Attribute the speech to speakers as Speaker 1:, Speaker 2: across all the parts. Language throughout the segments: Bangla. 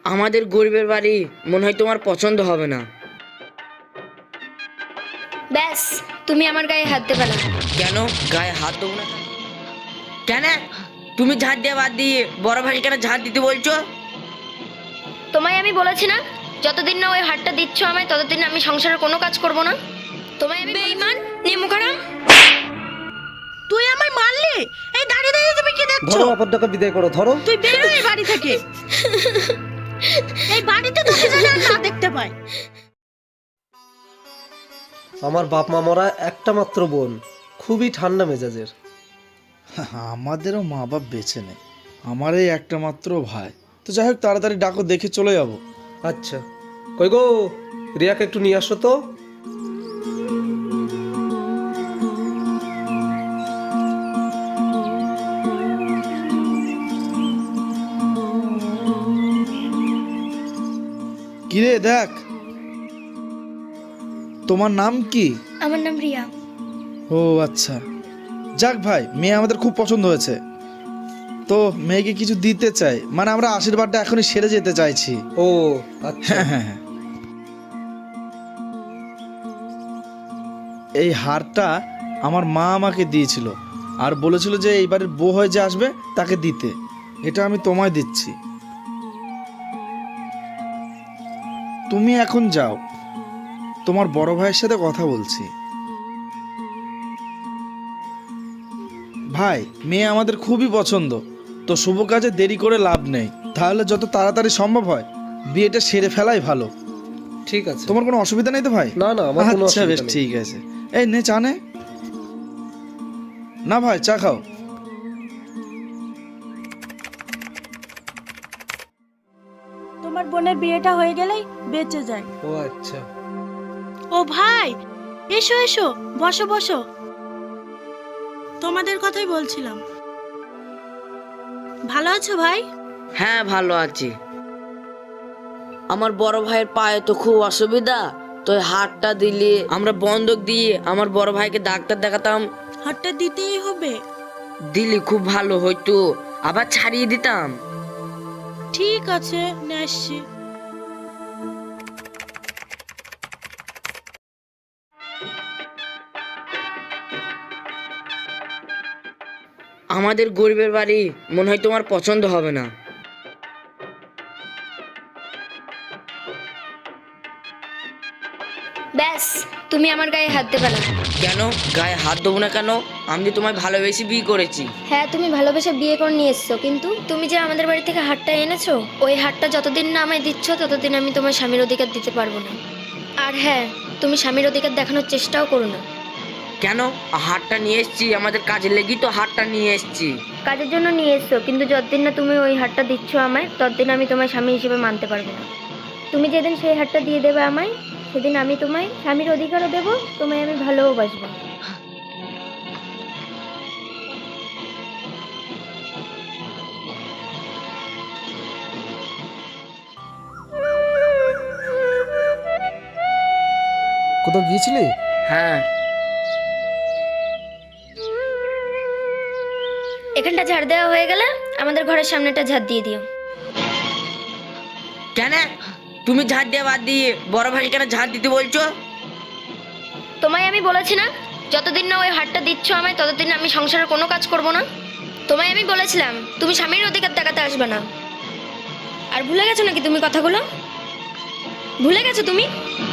Speaker 1: আমাদের গরিবের বাড়ি মনে হয় তোমার পছন্দ হবে না।
Speaker 2: ব্যাস, তুমি আমার গায়ে হাত দেবে না।
Speaker 1: কেন গায়ে হাত দেবো না? কেন তুমি ঝাড় দিয়ে বাদ দিয়ে বড় ভাই কেন ঝাড় দিতে বলছো?
Speaker 2: তোমায় আমি বলেছি না, যতদিন না ওই হাতটা দিচ্ছ আমায় ততদিন আমি সংসারের কোনো কাজ করব না। তোমায় আমি বেঈমান, নিমুখারাম।
Speaker 3: তুই আমায় মারলি? এই দাঁড়িয়ে দাঁড়িয়ে তুমি কি দেখছো?
Speaker 4: ধরো অপরটাকে বিদায় করো, ধরো।
Speaker 3: তুই বের হয়ে এই বাড়ি থেকে। এই বাড়িতে তোকে যেন আর না দেখতে পাই।
Speaker 4: আমার বাপ মা মরা একটা মাত্র বোন, খুবই ঠান্ডা মেজাজের।
Speaker 5: আমাদেরও মা বাপ বেঁচে নেই, আমার এই একটা মাত্র ভাই। তো যাই হোক, তাড়াতাড়ি ডাকো, দেখে চলে যাবো।
Speaker 4: আচ্ছা, কই গো, রিয়াকে একটু নিয়ে আসো তো।
Speaker 5: কিরে দেখ, তোমার নাম কি?
Speaker 2: আমার নাম রিয়া।
Speaker 5: ও আচ্ছা, যাক ভাই, মেয়ে আমাদের খুব পছন্দ হয়েছে। তো মেয়েকে কিছু দিতে চাই, মানে আমরা আশীর্বাদটা এখনই সেরে যেতে চাইছি।
Speaker 4: ও আচ্ছা,
Speaker 5: হ্যাঁ, এই হারটা আমার মা আমাকে দিয়েছিল আর বলেছিল যে এইবারের বউ হয়ে যে আসবে তাকে দিতে। এটা আমি তোমায় দিচ্ছি, তুমি এখন যাও, তোমার বড় ভাইয়ের সাথে কথা বলছি। ভাই, মেয়ে আমাদের খুবই পছন্দ, তো শুভ কাজে দেরি করে লাভ নেই। তাহলে যত তাড়াতাড়ি সম্ভব হয় বিয়েটা সেরে ফেলাই ভালো।
Speaker 4: ঠিক আছে।
Speaker 5: তোমার কোনো অসুবিধা নেই তো ভাই?
Speaker 4: না না, আমার কোনো
Speaker 5: আচ্ছা, বেশ
Speaker 4: অসুবিধা নেই।
Speaker 5: ঠিক আছে। এই নে চা নে। না ভাই, চা খাও।
Speaker 3: তোমার বোনের বিয়েটা হয়ে গেলেই বেঁচে যায়।
Speaker 4: ও আচ্ছা,
Speaker 3: ও ভাই, এসো এসো, বসো বসো। তোমাদের কথাই বলছিলাম। ভালো আছো ভাই?
Speaker 1: হ্যাঁ ভালো আছি। আমার বড় ভাইয়ের পায়ে তো খুব অসুবিধা, তো এই হাতটা দিলে আমরা বন্ধক দিয়ে আমার বড় ভাইকে ডাক্তার দেখাতাম।
Speaker 3: হাতটা দিতেই হবে।
Speaker 1: দিলে খুব ভালো হইতো, আবার ছাড়িয়ে দিতাম।
Speaker 3: ঠিক আছে, নিয়ে আসছি।
Speaker 1: আমাদের গরিবের বাড়ি মনে হয় তোমার পছন্দ হবে না।
Speaker 2: ব্যাস, তুমি আমার গায়ে হাত দেবে না।
Speaker 1: কেন গায়ে হাত দেবো না কেন? আমি তো তোমায় ভালোবেসে বিয়ে করেছি।
Speaker 2: হ্যাঁ, তুমি ভালোবেসে বিয়ে করে নিয়ে এসছো, কিন্তু তুমি যে আমাদের বাড়ি থেকে হাতটা এনেছো, ওই হাতটা যতদিন না আমায় দিচ্ছ ততদিন আমি তোমার স্বামীর অধিকার দিতে পারবো না। আর হ্যাঁ, তুমি স্বামীর অধিকার দেখানোর চেষ্টাও করো না।
Speaker 1: কেন? হাতটা নিয়ে এসছি, আমাদের কাজে লেগেই তো হাতটা নিয়ে এসছি।
Speaker 2: কাজের জন্য নিয়ে এসছো, কিন্তু যতদিন না তুমি ওই হাতটা দিচ্ছ আমায় ততদিন আমি তোমার স্বামী হিসেবে মানতে পারবো না। তুমি যেদিন সেই হাতটা দিয়ে দেবে আমায়, সেদিন আমি তোমায় স্বামীর অধিকারও দেবো, তোমায় আমি ভালোবাসবো।
Speaker 5: কোথাও গিয়েছিলি?
Speaker 1: হ্যাঁ,
Speaker 2: এখানটা ঝাড় দেওয়া হয়ে গেলে আমাদের ঘরের সামনেটা ঝাড় দিয়ে দিও।
Speaker 1: কেন তুমি ঝাড় দিয়ে বাদ দিয়ে বড় ভাই কেন ঝাড় দিতে বলছো?
Speaker 2: তোমায় আমি বলেছি না, যতদিন না ওই হাতটা দিচ্ছ আমায় ততদিন আমি সংসারের কোনো কাজ করব না। তোমায় আমি বলেছিলাম তুমি স্বামীর অধিকার দেখাতে আসবে না। আর ভুলে গেছো নাকি তুমি কথাগুলো? ভুলে গেছো তুমি?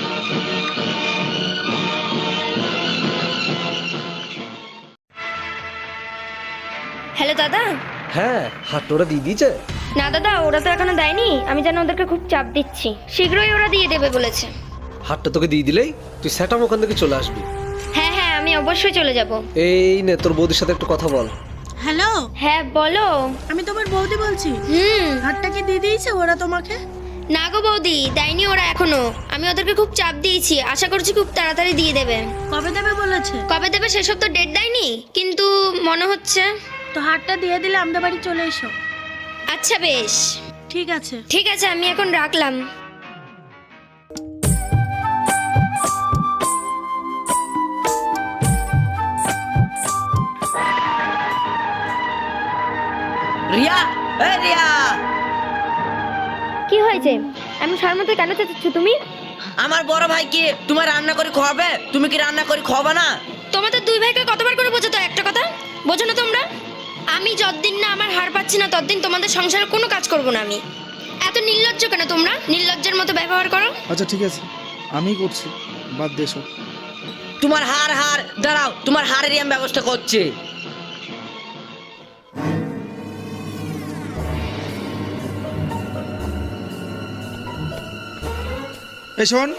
Speaker 2: হ্যালো দাদা।
Speaker 4: হ্যাঁ, হাতটা ওরা দিয়ে দিয়েছে।
Speaker 2: না দাদা, ওরা তো এখনো দেয়নি, আমি যেন ওদেরকে খুব চাপ দিচ্ছি, শীঘ্রই ওরা দিয়ে দেবে বলেছে।
Speaker 4: হাতটা তোকে দিয়ে দিলেই তুই সেটাম ওখান থেকে চলে আসবি।
Speaker 2: হ্যাঁ হ্যাঁ, আমি অবশ্যই চলে যাব।
Speaker 4: এই নে, তোর বৌদির সাথে একটু কথা বল।
Speaker 3: হ্যালো,
Speaker 2: হ্যাঁ বলো।
Speaker 3: আমি তোমার বৌদি বলছি। হাতটা কি দিয়ে দিয়েছে ওরা তোমাকে?
Speaker 2: না গো বৌদি, দেয়নি ওরা এখনো। আমি ওদেরকে খুব চাপ দিয়েছি, আশা করছি খুব তাড়াতাড়ি দিয়ে দেবে।
Speaker 3: কবে দেবে বলেছে?
Speaker 2: কবে দেবে সেসব তো ডেট দেয়নি, কিন্তু মনে হচ্ছে।
Speaker 3: তো হাতটা দিয়ে দিলে আমাদের বাড়ি চলে এসো।
Speaker 2: আচ্ছা বেশ,
Speaker 3: ঠিক আছে।
Speaker 2: ঠিক আছে, আমি এখন রাখলাম।
Speaker 1: রিয়া, এ রিয়া,
Speaker 2: কি হয়েছে? আমি শর্মাতে কেন চেঁচাচ্ছ তুমি?
Speaker 1: আমার বড় ভাই কি তোমার রান্না করে খাওয়াবে? তুমি কি রান্না করে খাওয়াবে না?
Speaker 2: তোমাদের দুই ভাইকে কতবার করে বোঝাতো একটা কথা? বোঝো না তোমরা? আমি যতদিন না আমার হার পাচ্ছি না ততদিন তোমাদের সংসারে কোনো কাজ করব না আমি। এত নির্লজ্জ কেন তোমরা? নির্লজ্জের মতো ব্যবহার করো।
Speaker 5: আচ্ছা ঠিক আছে, আমি করছি, বাদ দিয়ে এসো।
Speaker 1: তোমার হার দাঁড়াও, তোমার হারেরই আমি ব্যবস্থা করছি।
Speaker 5: এই শোন,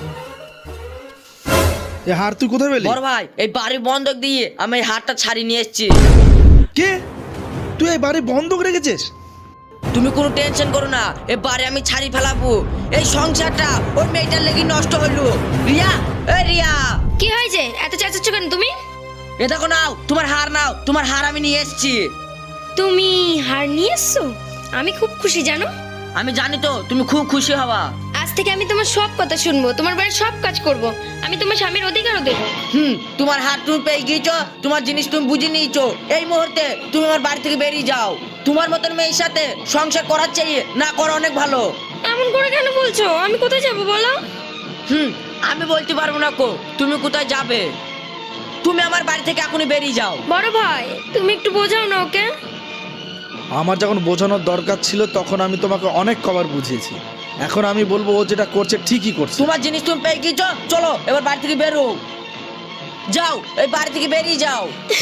Speaker 5: এই হার তুই কোথায় পেলি?
Speaker 1: বড় ভাই এই বাড়ি বন্ধক দিয়ে আমি এই হারটা ছাড়িয়ে নিয়ে এসেছি।
Speaker 5: কে? তুই এই বাড়ি বন্ধক রেখেছিস?
Speaker 1: তুমি কোনো টেনশন করো না, এ বাড়ি আমি ছাড়ি ফেলাবো। এই সংসারটা ওই মেয়েটার লেগে নষ্ট হইলো। রিয়া, এ রিয়া,
Speaker 2: কি হয়েছে? এত চেঁচাচ্ছ কেন তুমি?
Speaker 1: এ দেখো নাও, তোমার হার নাও, তোমার হার আমি নিয়ে এসেছি।
Speaker 2: তুমি হার নিয়ে এসছো? আমি খুব খুশি জানো।
Speaker 1: আমি জানি তো তুমি খুব খুশি হবা।
Speaker 2: আজ থেকে আমি তোমার সব কথা শুনবো, তোমার বাড়ির সব কাজ করব। আমি তোমার স্বামীর অধিকারও দেবো।
Speaker 1: তোমার হার তুমি পেয়ে গিয়েছো, তোমার জিনিস তুমি বুঝে নিয়েছো। এই মুহূর্তে তুমি আমার বাড়ি থেকে বেরিয়ে যাও। তোমার মতন মেয়ের সাথে সংসার করার চাইয়ে না করা অনেক ভালো।
Speaker 2: এমন করে কেন বলছো? আমি কোথায় যাবো বলো?
Speaker 1: আমি বলতে পারবো না কো তুমি কোথায় যাবে। তুমি আমার বাড়ি থেকে এখনই বেরিয়ে যাও।
Speaker 2: বড় ভাই তুমি একটু বোঝাও না ওকে।
Speaker 5: আমার যখন বোঝানোর দরকার ছিল তখন আমি তোমাকে অনেক কবার বুঝিয়েছি। এখন আমি বলবো ও যেটা করছে ঠিকই করছে।
Speaker 1: তোমার জিনিস তুমি পেয়ে গিয়েছো, চলো এবার বাড়ি থেকে বেরো। যাও, এই বাড়ি থেকে বেরিয়ে যাও।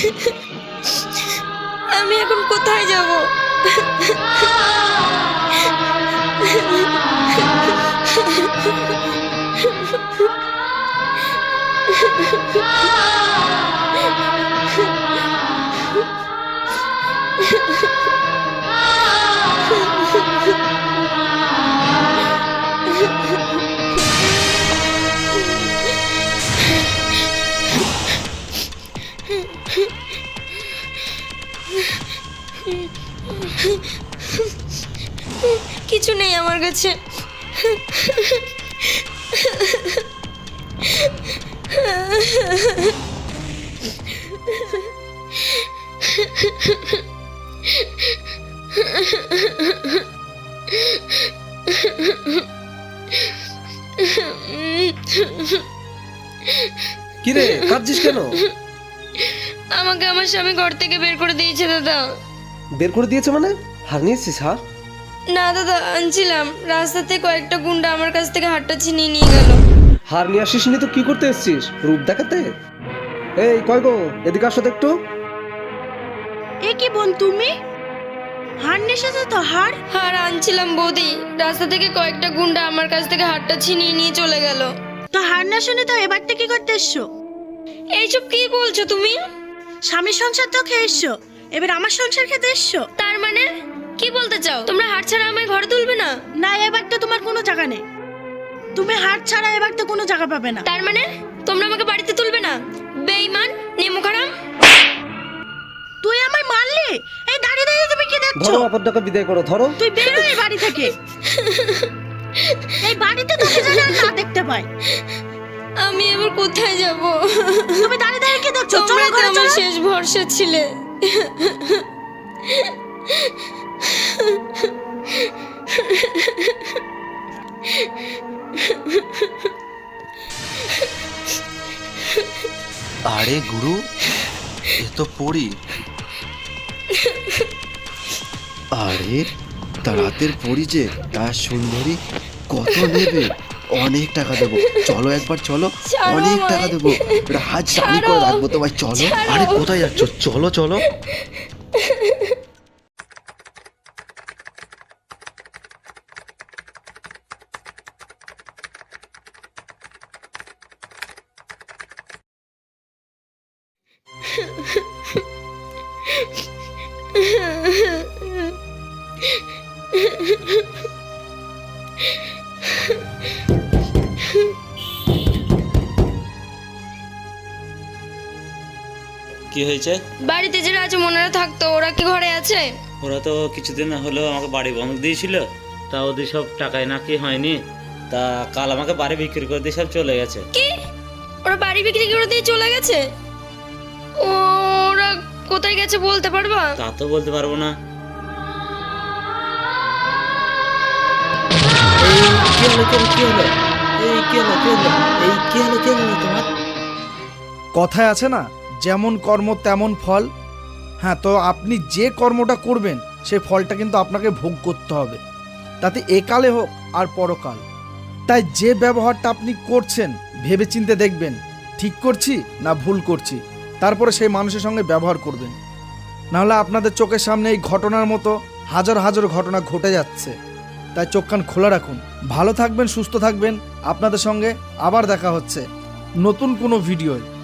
Speaker 2: আমি এখন কোথায় যাব? কিছু নেই আমার কাছে।
Speaker 4: কিরে কাঁদছিস কেন?
Speaker 2: আমাকে আমার স্বামী ঘর থেকে বের করে দিয়েছে দাদা।
Speaker 4: বের করে দিয়েছে মানে? হার নিয়েছিস হার?
Speaker 2: না দাদা, আনছিলাম, রাস্তাতে কয়েকটা গুন্ডা আমার কাছ থেকে হারটা ছিনিয়ে নিয়ে গেল।
Speaker 4: হার নিয়ে আসিস নি তো কি করতে এসেছিস? রূপ দেখাতে? এই কয় গো, এদিকে আসো তো একটু।
Speaker 3: এ কি বোন তুমি? হার নেশাতে তো হার?
Speaker 2: হার আনছিলাম বৌদি, রাস্তা থেকে কয়েকটা গুন্ডা আমার কাছ থেকে হারটা ছিনিয়ে নিয়ে চলে গেল।
Speaker 3: তো হার না শুনে তো এবার থেকে কি করতে এসছো?
Speaker 2: এইসব কি বলছো তুমি?
Speaker 3: স্বামীর সংসার তো খেয়ে এসছো, এবার আমার সংসার খেতে এসছো?
Speaker 2: তার মানে কি বলতে চাও? তোমরা হার ছাড়া আমায় ঘরে তুলবে না?
Speaker 3: না, এবার তো তোমার কোনো জায়গা নেই। তুমি হার ছাড়া এবার তো কোনো জায়গা পাবে না।
Speaker 2: তার মানে তোমরা আমাকে বাড়িতে তুলবে না? বেঈমান, নেমুখারাম।
Speaker 3: তুই আমায় মারলি? এই দাঁড়িয়ে দাঁড়িয়ে তুমি কি দেখছো?
Speaker 4: ধরো অপরটাকে বিদায় করো, ধরো।
Speaker 3: তুই বেরো এই বাড়ি থেকে। এই বাড়িতে তোকে যেন আর না দেখতে পাই।
Speaker 2: আমি এবার কোথায় যাব?
Speaker 3: তুমি দাঁড়িয়ে দাঁড়িয়ে কি দেখছো? চলো
Speaker 2: তোমরা তো
Speaker 3: ঘরে
Speaker 2: আমার
Speaker 3: চলো।
Speaker 2: শেষ ভরসা ছিলে।
Speaker 6: আরে গুরু, এ তো পড়ি। আরে তা রাতের পড়ি যে তার সুন্দরী, কত নেবে? অনেক টাকা দেবো, চলো একবার চলো।
Speaker 2: ছাড়ো
Speaker 6: অনেক
Speaker 2: আমায়।
Speaker 6: টাকা দেবো, এটা হাত জানি করে রাখবো তোমায়, চলো।
Speaker 2: ছাড়ো।
Speaker 6: আরে কোথায় যাচ্ছ? চলো চলো।
Speaker 7: কি হয়েছে?
Speaker 2: বাড়িতে যারা আছে মনেরা থাকতো, ওরা কি ঘরে আছে?
Speaker 7: ওরা তো কিছুদিন হলো আমাকে বাড়ি বন্ধক দিয়েছিল, তা ওদের সব টাকায় নাকি হয়নি, তা কাল আমাকে বাড়ি বিক্রি করে দিয়ে সব চলে গেছে।
Speaker 2: কি? ওরা বাড়ি বিক্রি করে দিয়ে চলে গেছে? ওরা কোথায় গেছে বলতে পারবা?
Speaker 7: তা তো বলতে পারবো না। হলো কি হলো এই কি হলো এই কি হলো তোমার?
Speaker 5: কথায় আছে না, যেমন কর্ম তেমন ফল। হ্যাঁ, তো আপনি যে কর্মটা করবেন সেই ফলটা কিন্তু আপনাকে ভোগ করতে হবে, তাতে একালে হোক আর পরকাল। তাই যে ব্যবহারটা আপনি করছেন ভেবেচিন্তে দেখবেন ঠিক করছি না ভুল করছি, তারপরে সেই মানুষের সঙ্গে ব্যবহার করবেন। নাহলে আপনাদের চোখের সামনে এই ঘটনার মতো হাজার হাজার ঘটনা ঘটে যাচ্ছে। তাই চোখ কান খোলা রাখুন। ভালো থাকবেন, সুস্থ থাকবেন। আপনাদের সঙ্গে আবার দেখা হচ্ছে নতুন কোনো ভিডিওয়।